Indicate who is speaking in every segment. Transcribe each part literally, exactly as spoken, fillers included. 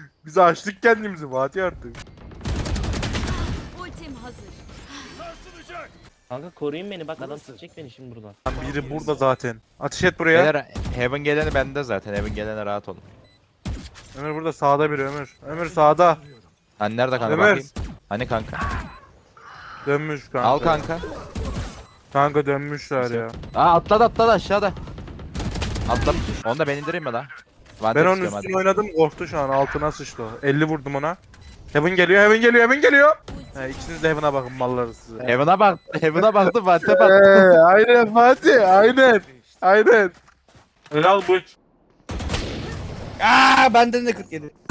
Speaker 1: Biz açtık kendimizi Fatih artık.
Speaker 2: Ultim hazır.
Speaker 3: Kanka koruyun beni bak adam sıkacak beni şimdi buradan.
Speaker 1: Lan biri burada zaten. Ateş et buraya.
Speaker 4: Beyler Heaven geleni bende zaten. Heaven gelene rahat olun.
Speaker 1: Ömür burada sağda biri Ömür. Ömür sağda.
Speaker 4: Hani nerede kanka
Speaker 1: Ömer.
Speaker 4: bakayım. Hani kanka.
Speaker 1: Dönmüş kanka.
Speaker 4: Al kanka.
Speaker 1: Kanka dönmüşler ya.
Speaker 4: Aa atladı atladı aşağıda. Atlamış. Onu da ben indireyim mi lan?
Speaker 1: Ben onun üstüne oynadım korktu şu an altına sıçtı o. elli vurdum ona. Heaven geliyor Heaven geliyor Heaven geliyor. He ikiniz de Heaven'a bakın malları size.
Speaker 4: Heaven'a bak. Heaven'a baktım. Fatih'e
Speaker 1: Eee
Speaker 4: baktım.
Speaker 1: aynen Fatih aynen. Aynen. Helal bu.
Speaker 5: Aa benden de kırk yedi.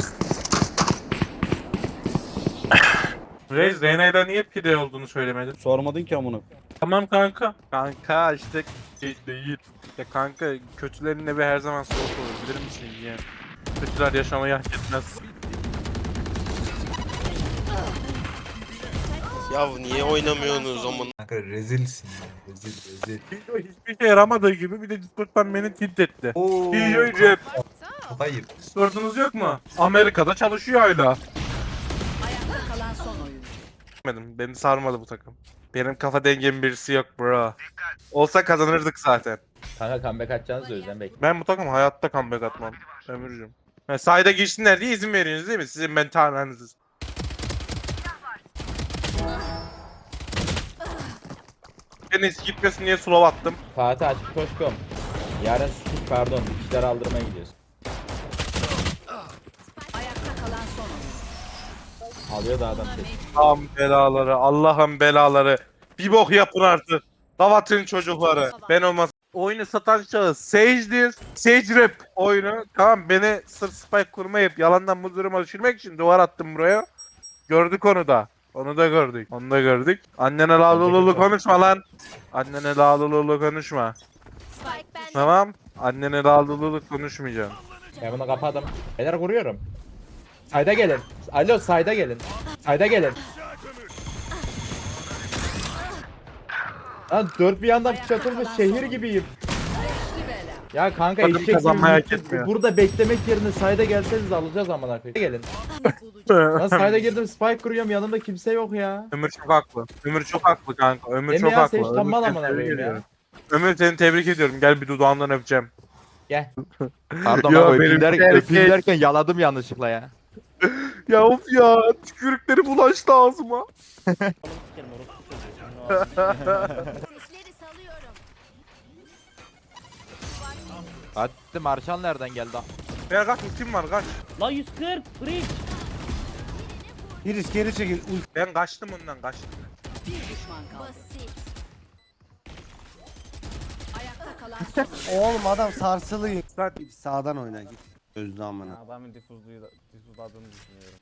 Speaker 1: Reis Reyna'yla niye pide olduğunu söylemedin?
Speaker 5: Sormadın ki amına.
Speaker 1: Tamam kanka. Kanka işte şey değil. Ya kanka kötülerin evi her zaman soğuk olur bilir misin ya? Kötüler yaşamayı hak etmez.
Speaker 6: Ya niye oynamıyorsunuz amına?
Speaker 7: Kanka rezilsin ya. Rezil rezil.
Speaker 1: Video hiçbir şey yaramadığı gibi bir de Discord'dan beni tilt etti.
Speaker 7: Oo.
Speaker 1: Videoyu cep.
Speaker 7: Kafayı yık.
Speaker 1: Discord'unuz yok mu? Amerika'da çalışıyor hala.
Speaker 2: Ayakta kalan son oyun.
Speaker 1: Benim, beni sarmadı bu takım. Benim kafa dengem birisi yok bro. Olsa kazanırdık zaten.
Speaker 4: Kanka comeback atacağınız da o yüzden bekle.
Speaker 1: Ben bu takım hayatta comeback atmam. Ömürcüm. Ha, sayda girsinler diye izin veriyorsunuz değil mi? Sizin mentaliniz. Deniz gitmesin diye slow attım.
Speaker 4: Fatih açık koşkom. Yarın skip pardon. Dikişler aldırmaya gidiyorsun.
Speaker 2: Ayakta kalan son oyun.
Speaker 4: Alıyor da adam tek.
Speaker 1: Allah'ım belaları, Allah'ım belaları. Bir bok yapın artık. Davatın çocukları. Ben olmaz. Oyunu satan şahıs Sage'dir. Sage Rap oyunu. Tamam beni sırf spike kurmayıp yalandan bu duruma düşürmek için duvar attım buraya. Gördük onu da. Onu da gördük. Onu da gördük. Annene lalululu konuşma lan. Annene lalululu konuşma.
Speaker 2: Spike ben.
Speaker 1: Tamam. Annene lalululu konuşmayacağım.
Speaker 4: Ben bunu kapadım. Beyler vuruyorum. Sayda gelin. Alo sayda gelin. Sayda gelin. Lan dört bir yandan çatılmış şehir gibiyim. Ya kanka
Speaker 1: Takım
Speaker 4: eşek
Speaker 1: kazanmayı hak
Speaker 4: gibi
Speaker 1: etmiyor.
Speaker 4: burada beklemek yerine sayda gelseniz alacağız amına koyayım. Gelin. Lan sayda girdim spike kuruyorum yanımda kimse yok ya.
Speaker 1: Ömür çok haklı. Ömür çok haklı kanka. Ömür
Speaker 4: Değil mi
Speaker 1: çok
Speaker 4: ya?
Speaker 1: haklı.
Speaker 4: Sen hiç
Speaker 1: Ömür
Speaker 4: tanımadın
Speaker 1: seni
Speaker 4: amına
Speaker 1: tebrik
Speaker 4: koyayım ya.
Speaker 1: ediyorum. Ömür seni tebrik ediyorum. Gel bir dudağından öpeceğim.
Speaker 4: Gel. Pardon
Speaker 1: Ya
Speaker 4: abi
Speaker 1: benim
Speaker 4: öpeyim, der,
Speaker 1: erkek-
Speaker 4: öpeyim derken yaladım yanlışlıkla ya.
Speaker 1: Ya of ya. Tükürükleri bulaştı ağzıma.
Speaker 3: Onu sikerim orospu çocuğu.
Speaker 2: Sesleri salıyorum.
Speaker 4: Hadi Marşal nereden geldi?
Speaker 1: Ya kaç ultim var kaç.
Speaker 3: La yüz kırk freak.
Speaker 5: Iris geri çekil. Uy.
Speaker 1: Ben kaçtım ondan kaçtım.
Speaker 2: Bir düşman kaldı. Basit. Ayakta kalan son oyun.
Speaker 5: Oğlum adam sarsılıyor.
Speaker 1: Lan
Speaker 5: Sağdan oyna git. Gözlü amına.
Speaker 8: Adamın difuzluyu da, difuzladığını düşünüyorum.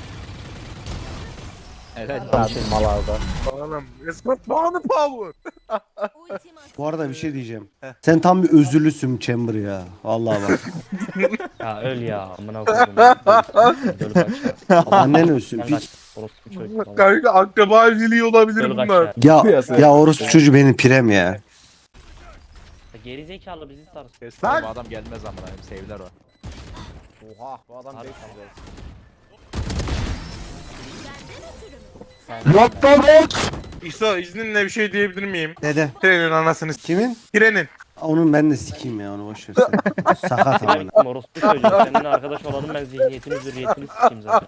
Speaker 4: Evet.
Speaker 1: oğlum. Escort bağını power.
Speaker 2: Ultim hazır.
Speaker 5: Bu arada bir şey diyeceğim. Sen tam bir özürlüsün Chamber ya. Vallahi bak.
Speaker 3: Ya öl ya amına koydum. Dölü kaç ya.
Speaker 5: Annen ölsün
Speaker 3: Sen
Speaker 5: piç.
Speaker 3: kaç. Orospu çocuğu.
Speaker 1: Kanka akraba evliliği olabilir
Speaker 3: Dölü kaç
Speaker 1: bunlar.
Speaker 3: ya.
Speaker 5: Ya ya orospu çocuğu benim pirem ya.
Speaker 3: Geri zekalı bizi sarsın.
Speaker 4: Bu adam gelmez amına koyayım sevdiler o.
Speaker 8: Oha bu adam
Speaker 3: Harbi
Speaker 8: beş yüz olsun.
Speaker 1: İso izninle bir şey diyebilir miyim?
Speaker 5: Dede.
Speaker 1: Trenin anasını s-
Speaker 5: Kimin?
Speaker 1: Trenin.
Speaker 5: Onun ben de sikeyim ya onu boş ver sen. Sakat
Speaker 3: Benim
Speaker 5: amına.
Speaker 3: bittim orospu çocuğu. Seninle arkadaş olalım ben zihniyetini zürriyetini sikeyim zaten.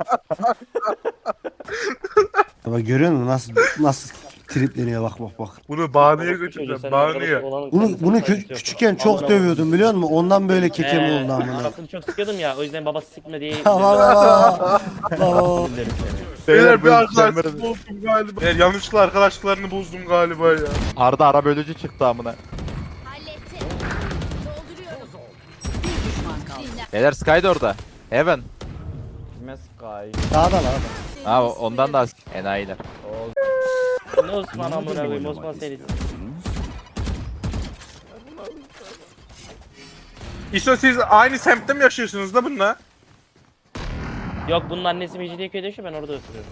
Speaker 5: Bak görüyor musun nasıl nasıl tripleniyor bak bak bak.
Speaker 1: Bunu bağınıya
Speaker 3: Orospu çocuğu,
Speaker 1: götüreceğim.
Speaker 3: seninle arkadaş
Speaker 1: Bağınıya.
Speaker 3: olalım,
Speaker 5: Bunu
Speaker 3: seninle
Speaker 5: bunu
Speaker 3: saygısı
Speaker 5: kü-
Speaker 3: yok.
Speaker 5: küçükken çok
Speaker 3: Amına
Speaker 5: dövüyordum biliyor musun? Ondan böyle kekem
Speaker 3: Ee,
Speaker 5: oldu amına.
Speaker 3: Anasını çok sıkıyordum ya o yüzden babası sikme diye
Speaker 5: Baba, baba.
Speaker 3: Özür dilerim seni.
Speaker 1: Beyler bir
Speaker 4: bu
Speaker 1: arkadaşlık
Speaker 4: Chamber'ın-
Speaker 1: bozdum galiba. Beyler yanlışlıkla arkadaşlıklarını bozdum galiba ya.
Speaker 4: Arda ara bölücü çıktı amına.
Speaker 2: Hallettim. Dolduruyorum. Bir düşman kaldı. Dinle.
Speaker 4: Beyler Sky da orada. Heaven.
Speaker 8: Kime Sky?
Speaker 5: Dağda lan.
Speaker 4: Ha o- ondan da enayiler.
Speaker 3: Ne Osman amına koyayım Osman seni.
Speaker 1: İso siz aynı semtte mi yaşıyorsunuz da bununla?
Speaker 3: Yok bunun annesi Mecidiyeköy'de yaşıyor ben orada oturuyorum.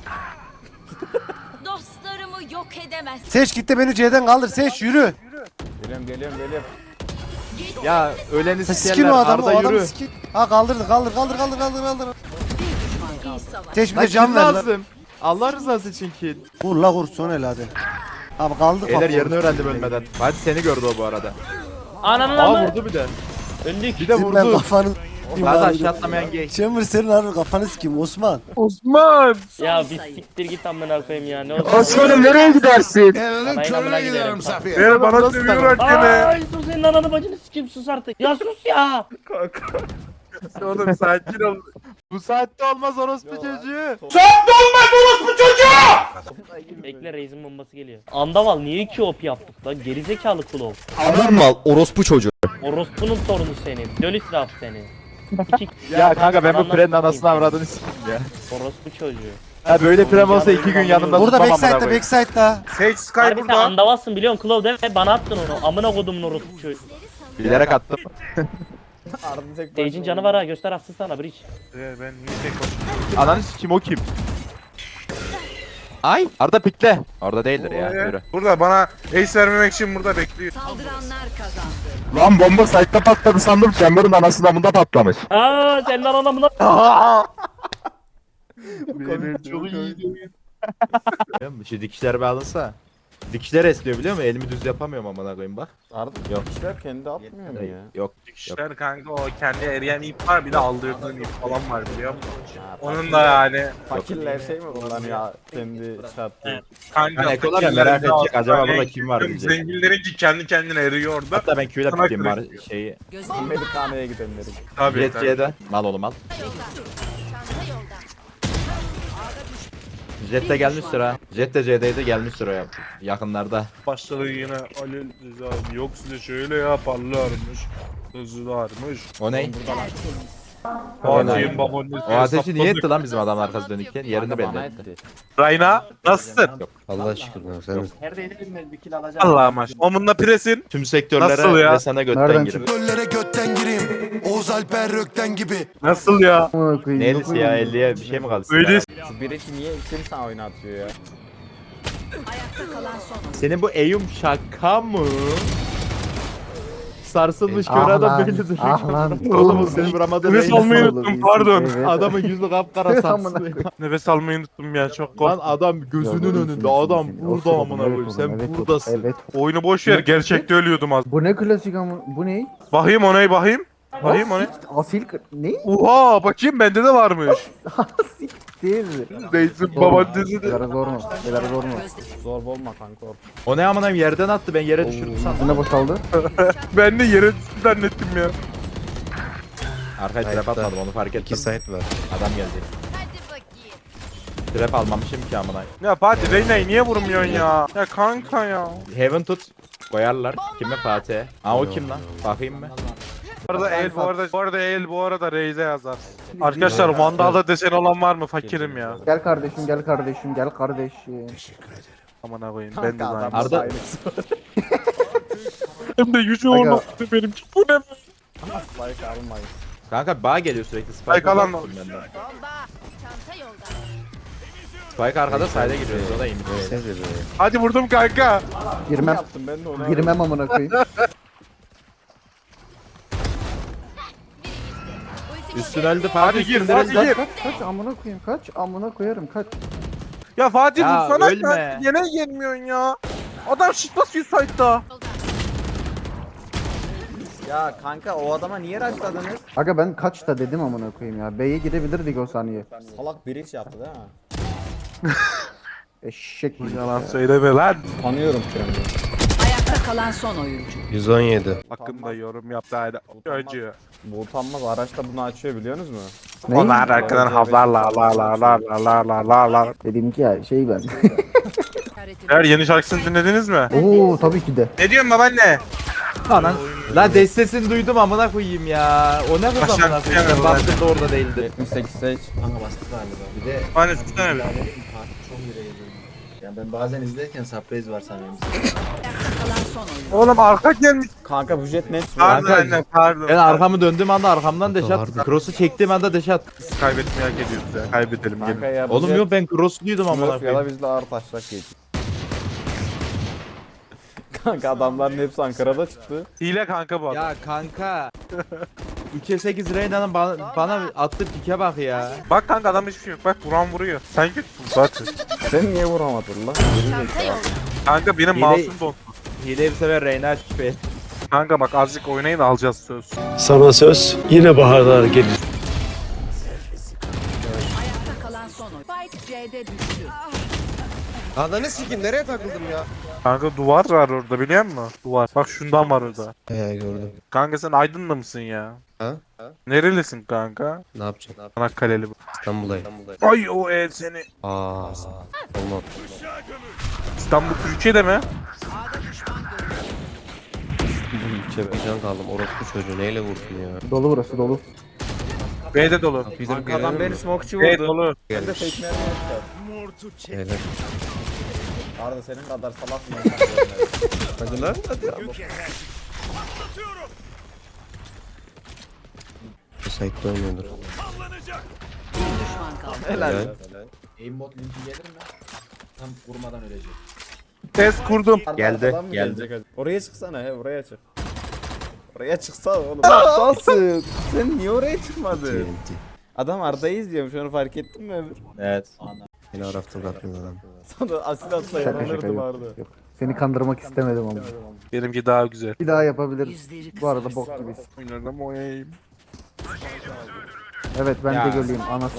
Speaker 2: Dostlarımı yok edemez.
Speaker 5: Seç gitti beni C'den kaldır Seç yürü.
Speaker 8: Geliyorum geliyorum geliyorum. Ya öleni
Speaker 5: Sikin
Speaker 8: sikerler
Speaker 5: o adamı, o
Speaker 8: Arda
Speaker 5: adamı
Speaker 8: yürü.
Speaker 5: sikin. Ha kaldırdı, kaldır, kaldır, kaldır, kaldır, kaldır.
Speaker 2: İyi savaş.
Speaker 5: Teş bir
Speaker 8: Lan
Speaker 5: de can
Speaker 8: kim
Speaker 5: ver lan.
Speaker 8: lazım? Allah rızası için kill.
Speaker 5: Vur la vur, son el hadi. Abi kaldır
Speaker 8: Beyler
Speaker 5: bak,
Speaker 8: yerini
Speaker 5: vur.
Speaker 8: öğrendim ölmeden. Hadi seni gördü o bu arada.
Speaker 3: Ananın
Speaker 8: Aa
Speaker 3: amı.
Speaker 8: vurdu bir de.
Speaker 3: Öldük.
Speaker 8: Bir de
Speaker 5: Senin ben
Speaker 8: vurdu.
Speaker 5: kafanı...
Speaker 8: Hadi aşağı atlamayan gay.
Speaker 5: Chamber senin harbi kafanı sikeyim Osman.
Speaker 1: Osman!
Speaker 3: Ya bir siktir git amına koyayım ya. Ne oldu?
Speaker 1: Osman'ım nereye gidersin?
Speaker 3: Anayın amına giderim.
Speaker 1: Ver bana sövüyor hakeme.
Speaker 3: Ay sus senin ananı bacını sikeyim sus artık. Ya sus ya.
Speaker 1: Oğlum sakin ol.
Speaker 8: Bu saatte olmaz orospu çocuğu.
Speaker 3: Bekle Reis'in bombası geliyor. Andaval niye iki op yaptık lan? Gerizekalı kulov.
Speaker 9: Adam mal orospu çocuğu.
Speaker 3: Orospu'nun sorunu senin. Döl israf seni. İki...
Speaker 8: Ya kanka ben bu
Speaker 3: Ananla
Speaker 8: prenin
Speaker 3: sikeyim
Speaker 8: anasını
Speaker 3: seni.
Speaker 8: avradını sikeyim ya.
Speaker 3: Orospu çocuğu.
Speaker 8: Ha böyle prem olsa iki gün yanımda
Speaker 5: Burada
Speaker 8: tutmam amına
Speaker 5: backside'da,
Speaker 8: koyayım.
Speaker 5: backside'da.
Speaker 1: Sage Sky
Speaker 3: Harbi sen
Speaker 1: burada.
Speaker 3: andavalsın biliyorsun Kulov değil mi? Bana attın onu. Amına kodumun orospu çocuğu.
Speaker 8: Bilerek attım.
Speaker 3: Stage'in canı var ha göster atsın sana bridge.
Speaker 1: Ee, ben niye tek başıma?
Speaker 8: Ananı sikeyim o kim? Ay Arda pikle. Orada değildir ya.
Speaker 1: Ee,
Speaker 8: Yürü.
Speaker 1: Burada bana ace vermemek için burada bekliyor.
Speaker 2: Saldıranlar kazandı.
Speaker 9: Lan bomba site'da patladı sandım. Chamber'ın anası damında patlamış.
Speaker 3: Aaa senin anan amına.
Speaker 8: Benim çok iyi. Şu dikişler bağlansa. Dikişler esniyor biliyor musun? Elimi düz yapamıyorum amına koyayım bak.
Speaker 10: Arda
Speaker 8: Yok.
Speaker 10: dikişler kendi atmıyor mu ya?
Speaker 8: Yok.
Speaker 1: İşler kanka o kendi eriyen ip var bir de aldırdığın ip falan var biliyor musun? Onun da yani
Speaker 10: Fakirler şey mi kullanıyor kendi çarptı?
Speaker 1: kanka
Speaker 8: Hani ekolar ya,
Speaker 1: fakirlerin
Speaker 8: merak
Speaker 1: de
Speaker 8: edecek, acaba
Speaker 1: aslında
Speaker 8: burada kim var diyecek.
Speaker 1: Zenginlerinki kendi kendine eriyordu.
Speaker 8: Hatta ben Q'yle
Speaker 1: Sana
Speaker 8: pikeyim var
Speaker 1: kırık.
Speaker 8: şeyi.
Speaker 10: Amerikana'ya gidenlerin.
Speaker 1: Tabii
Speaker 8: Jet
Speaker 1: tabii.
Speaker 8: C'de. Mal oğlum al.
Speaker 2: Çanta yolda.
Speaker 8: Jet de gelmiştir ha. Jet de C'deydi gelmiştir o ya. Yakınlarda.
Speaker 1: Başladı yine Alel Rıza yok size şöyle yaparlarmış. Hızlılarmış.
Speaker 8: O ne?
Speaker 1: Fatih'in babaannesi.
Speaker 8: O ateşi niye etti lan bizim adam arkası dönükken? Yerini belli
Speaker 10: Bana
Speaker 8: etti.
Speaker 10: etti.
Speaker 1: Rayna nasılsın?
Speaker 5: Allah şükür lan sen.
Speaker 1: Allah'a maş. Omunla presin.
Speaker 8: Tüm sektörlere
Speaker 1: Nasıl ya?
Speaker 8: ve sana götten
Speaker 5: Nereden
Speaker 8: girip.
Speaker 11: Göllere götten gireyim. Oğuz Alper Rökten gibi.
Speaker 1: Nasıl ya?
Speaker 8: Ne ellisi ya elliye bir şey mi kaldı?
Speaker 1: Öyle
Speaker 10: Şu birisi niye kim sana oynatıyor ya?
Speaker 2: Ayakta kalan son.
Speaker 8: Senin bu Eyüm şaka mı? Sarsılmış kör adam böyle duruyor.
Speaker 5: ah lan.
Speaker 8: Oğlum o seni vuramadı.
Speaker 1: Nefes almayı unuttum pardon.
Speaker 8: Adamın yüzü kapkara sarsılıyor.
Speaker 1: Nefes almayı unuttum ya çok
Speaker 8: Lan
Speaker 1: korktum.
Speaker 8: adam gözünün önünde adam burada amına koyayım sen buradasın.
Speaker 5: Evet.
Speaker 1: Oyunu boş ver gerçekte ölüyordum az.
Speaker 5: Bu ne klasik ama bu ne?
Speaker 1: Bakayım onay bakayım. Bakayım onay.
Speaker 5: Asil ne?
Speaker 1: Oha bakayım bende de varmış.
Speaker 5: Değil.
Speaker 1: Neyse babaannesi de.
Speaker 5: Biraz zor mu? Biraz zor mu?
Speaker 10: Zor olma kanka.
Speaker 8: O ne amına koyayım yerden attı ben yere düşürdüm sandım.
Speaker 5: Ne boşaldı?
Speaker 1: Ben de yere düştü zannettim ya.
Speaker 8: Arkaya trap atmadım onu fark ettim.
Speaker 5: site var.
Speaker 8: Adam geldi.
Speaker 2: Hadi bakayım.
Speaker 8: Trap almamışım ki amına.
Speaker 1: Ya Fatih Reyna'yı niye vurmuyorsun ya? Ya kanka ya.
Speaker 8: Heaven tut. Koyarlar. Kime Fatih? Aa o kim lan? Bakayım mı?
Speaker 1: Bu arada el bu arada bu arada el bu arada Reis'e yazar. Arkadaşlar Vandal'da desen olan var mı? Fakirim ya.
Speaker 5: Gel kardeşim gel kardeşim gel kardeşim.
Speaker 1: Aman koyayım ben de
Speaker 10: Kanka
Speaker 1: aynı.
Speaker 10: adam
Speaker 8: Arda-
Speaker 10: aynısı.
Speaker 1: Hem de yüzü
Speaker 5: Aga.
Speaker 1: olmaktı benimki. Bu ne?
Speaker 10: Spike almayın.
Speaker 8: Kanka bağ geliyor sürekli. Spike
Speaker 1: Spike alan-
Speaker 8: alan. benden.
Speaker 2: Bomba. Çanta yolda.
Speaker 8: Spike arkada side'e giriyoruz o da iyi.
Speaker 1: Hadi vurdum kanka.
Speaker 5: Girmem.
Speaker 10: Yaptım ben de onu.
Speaker 5: Girmem amına koyayım.
Speaker 8: Üstün öldü
Speaker 1: Hadi
Speaker 8: Fatih.
Speaker 1: gir
Speaker 8: üstün
Speaker 1: Fatih
Speaker 8: öldü.
Speaker 1: gir.
Speaker 5: Kaç kaç amına koyayım kaç amına koyarım kaç.
Speaker 1: Ya Fatih
Speaker 8: Ya,
Speaker 1: vursana
Speaker 8: ölme.
Speaker 1: ya. Yine gelmiyorsun ya. Adam shit basıyor site'da.
Speaker 10: Ya kanka o adama niye rushladınız?
Speaker 5: Aga ben kaçta dedim amına koyayım ya. B'ye gidebilirdik o saniye.
Speaker 10: Salak bir iş yaptı değil mi?
Speaker 5: Eşek gibi.
Speaker 1: Yalan söyleme lan.
Speaker 10: Tanıyorum kendimi.
Speaker 2: Ayakta kalan son oyuncu.
Speaker 5: yüz on yedi.
Speaker 1: Hakkında yorum yaptı hadi. Acı.
Speaker 10: Bu utanmaz araçta bunu açıyor biliyorsunuz mu?
Speaker 1: Onlar arkadan havlarla la la la la la la la la.
Speaker 5: Dedim ki ya şey ben.
Speaker 1: Eğer yeni şarkısını dinlediniz mi?
Speaker 5: Oo tabii ki de.
Speaker 1: Ne diyorsun babaanne?
Speaker 8: Anan. La destesini duydum amına koyayım ya. O ne kız
Speaker 1: Aşağı
Speaker 8: amına
Speaker 1: düşemem
Speaker 8: koyayım.
Speaker 1: ben.
Speaker 8: Baktım da orada değildi.
Speaker 10: yetmiş sekiz seç.
Speaker 1: Hani tutsana bir.
Speaker 7: Yani ben bazen izlerken surprise var sanıyorum.
Speaker 2: Ayakta kalan son oyuncu.
Speaker 1: Oğlum arka gelmiş.
Speaker 10: Kanka bu jet net.
Speaker 1: Pardon
Speaker 8: Kanka,
Speaker 1: anne pardon.
Speaker 8: Ben arkamı döndüğüm anda arkamdan deşat. Cross'u çektiğim anda deşat.
Speaker 1: Biz kaybetmeye hak ediyoruz ya. Kaybedelim
Speaker 10: Kanka
Speaker 1: gelin.
Speaker 10: ya bu
Speaker 8: Oğlum
Speaker 10: jet
Speaker 8: yok ben cross'luydum amına
Speaker 10: Smurf ya da
Speaker 8: koyayım.
Speaker 10: bizle ağır taşlak geçti. Kanka adamların hepsi Ankara'da çıktı.
Speaker 1: Hile kanka bu adam.
Speaker 4: Ya kanka. üçe sekiz Reyna'nın bana, bana attığı pike bak ya.
Speaker 1: Bak kanka adam hiçbir şey yok. Bak vuran vuruyor. Sen kötüsün zaten.
Speaker 10: Sen niye vuramadın lan?
Speaker 2: Çanta yolda.
Speaker 1: Kanka benim
Speaker 4: Hile-
Speaker 1: mouse'um dondu.
Speaker 4: Hileyi bir sefer Reyna açmış be.
Speaker 1: Kanka bak azıcık oynayın alacağız söz.
Speaker 9: Sana söz yine baharlar gelir.
Speaker 2: Ayakta kalan son oyuncu. Spike C'de düştü.
Speaker 7: Ananı sikim nereye takıldım ya?
Speaker 1: Kanka duvar var orada biliyor musun? Duvar. Bak şundan var orada.
Speaker 7: He gördüm.
Speaker 1: Kanka sen Aydın'da mısın ya?
Speaker 7: Ha?
Speaker 1: Nerelisin kanka?
Speaker 7: Ne yapacağım?
Speaker 1: Çanakkale'li bu.
Speaker 7: İstanbul'dayım.
Speaker 1: Ay o el seni.
Speaker 7: Aa. Olmaz.
Speaker 1: İstanbul Türkiye'de mi?
Speaker 7: Can kaldım. Orospu çocuğu neyle vurdun ya?
Speaker 5: Dolu burası dolu.
Speaker 1: B'de dolu.
Speaker 7: Bizim
Speaker 10: Kanka adam beni smokeçi
Speaker 1: B
Speaker 10: vurdu.
Speaker 1: dolu.
Speaker 10: Ben de fake mermi yapacağım.
Speaker 7: Helal.
Speaker 10: Arda senin kadar salak mı?
Speaker 7: Hadi lan hadi ya. Site'de oynuyordur.
Speaker 2: Bir düşman kaldı.
Speaker 10: Helal.
Speaker 4: Aimbot linki gelir mi? Tam vurmadan ölecek.
Speaker 1: Test kurdum.
Speaker 8: Geldi,
Speaker 10: Arkadan mı
Speaker 8: geldi.
Speaker 10: gelecek? Oraya çıksana he buraya çık. Oraya çıksana oğlum. Aptalsın. Sen niye oraya çıkmadın?
Speaker 7: T N T.
Speaker 10: Adam Arda'yı izliyormuş onu fark ettin mi Ömür?
Speaker 8: Evet.
Speaker 7: Beni araftı bakmıyor adam.
Speaker 10: Sana asil atsa yanılırdım Arda.
Speaker 5: Seni kandırmak istemedim ama.
Speaker 1: Benimki daha güzel.
Speaker 5: Bir daha yapabiliriz.
Speaker 2: Yüzleri
Speaker 5: Bu arada bok gibiyiz.
Speaker 1: Oynarım oynayayım.
Speaker 5: Evet ben
Speaker 10: Ya.
Speaker 5: de göleyim anası.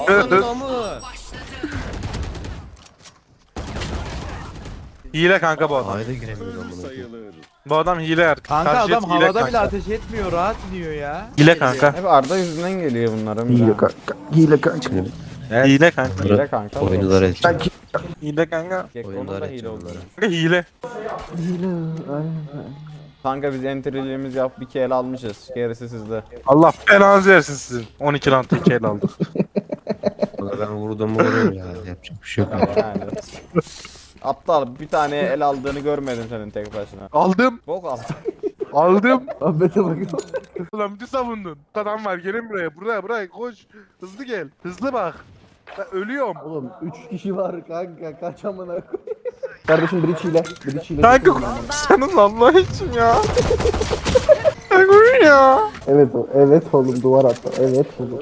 Speaker 1: Hile kanka bu adam.
Speaker 7: Ayda giremiyorum amına koyayım.
Speaker 1: Bu adam hile er.
Speaker 4: Kanka
Speaker 1: Karşı
Speaker 4: adam
Speaker 1: hile
Speaker 4: havada
Speaker 1: kanka.
Speaker 4: bile ateş etmiyor, rahat iniyor ya.
Speaker 1: Hile kanka.
Speaker 10: Hep Arda yüzünden geliyor bunlar Ömür.
Speaker 5: Hile kanka. Hile kanka.
Speaker 1: Hile kanka.
Speaker 10: Hile kanka.
Speaker 7: Oyuncular edecek.
Speaker 1: Hile kanka.
Speaker 10: Gekko'nun
Speaker 7: Oyuncular
Speaker 10: da hile
Speaker 7: edecek
Speaker 10: oldu.
Speaker 7: onları.
Speaker 1: Kanka hile.
Speaker 10: Kanka biz entry'liğimizi yap bir kere almışız. Gerisi sizde.
Speaker 1: Allah belanızı versin sizin. on iki round iki el aldık.
Speaker 7: Valla ben vurdum vuruyorum ya. Yapacak bir şey yok.
Speaker 10: Yani. Aptal bir tane el aldığını görmedim senin tek başına.
Speaker 1: Aldım.
Speaker 10: Bok aldın.
Speaker 1: Aldım.
Speaker 5: Ahmet'e bak.
Speaker 1: Ulan bir savundun. Adam var gelin buraya. Buraya buraya koş. Hızlı gel. Hızlı bak. Ben ölüyorum.
Speaker 5: Oğlum üç kişi var kanka kaç amına koyayım. Kardeşim bridge hile. Bridge hile.
Speaker 1: Kanka senin Allah için ya. Kanka ya.
Speaker 5: Evet o- evet oğlum duvar attı. Evet oğlum.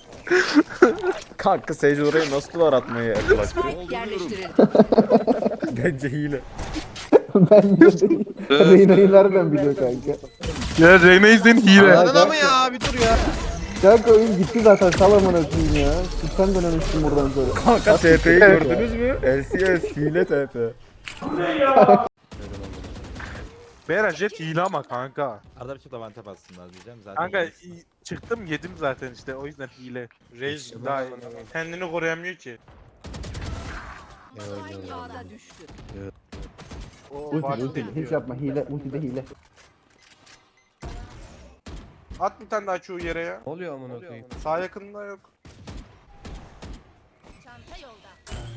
Speaker 10: Kanka Sage orayı nasıl duvar atmayı yaklaştı?
Speaker 2: Spike yerleştirildi.
Speaker 10: Bence hile.
Speaker 5: Ben de değil. Reyna'yı nereden biliyor kanka?
Speaker 1: Ya Reyna izleyin hile.
Speaker 5: Kanka,
Speaker 7: mı ya? Bir dur ya.
Speaker 5: kanka oyun gitti zaten sal amına koyayım ya. Sen dönemişsin buradan sonra.
Speaker 10: Kanka T P'yi gördünüz mü? L C S hile T P.
Speaker 1: Beyler jet hile ama kanka.
Speaker 8: Arada bir şey de vantep atsınlar diyeceğim zaten.
Speaker 1: Kanka i- çıktım yedim zaten işte o yüzden hile. Reis daha kendini koruyamıyor ki.
Speaker 2: Spike A'da düştü.
Speaker 1: O
Speaker 5: Ulti
Speaker 1: fark
Speaker 5: ulti
Speaker 1: değil.
Speaker 5: hiç yapma hile ulti de hile.
Speaker 1: At bir tane daha çoğu yere ya.
Speaker 7: Ne oluyor amına koyayım?
Speaker 1: Sağ yakında yok.
Speaker 2: Çanta yolda.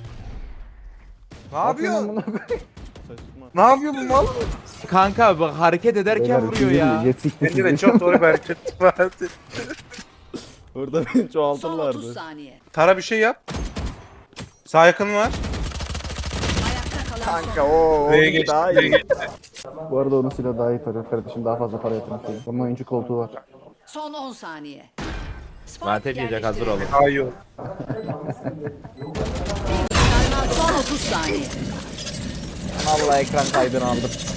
Speaker 1: Ne yapıyor?
Speaker 5: Amına koyayım.
Speaker 1: Ne yapıyor bu mal?
Speaker 4: Kanka bak hareket ederken
Speaker 5: Beyler,
Speaker 4: vuruyor
Speaker 5: sinirli,
Speaker 4: ya.
Speaker 5: jet sikti
Speaker 1: Bence de
Speaker 5: sizi.
Speaker 1: çok doğru bir hareket vardı.
Speaker 10: Burada beni
Speaker 2: Son otuz
Speaker 10: çoğaltırlardı.
Speaker 2: saniye.
Speaker 1: Tara bir şey yap. Sağ yakın var.
Speaker 2: Ayakta kalan son
Speaker 10: Kanka o o
Speaker 1: B'ye
Speaker 10: bir
Speaker 1: geçti.
Speaker 10: daha
Speaker 1: B'ye
Speaker 10: iyi.
Speaker 1: geçti.
Speaker 5: Bu arada onun silahı daha iyi tarıyor kardeşim daha fazla para yatırmak değil. Onun oyuncu koltuğu var.
Speaker 2: Son on saniye. Spike
Speaker 8: Vantep yiyecek hazır olun.
Speaker 1: Daha iyi oldu.
Speaker 2: Son otuz saniye.
Speaker 10: Allah ekran kaydını aldım.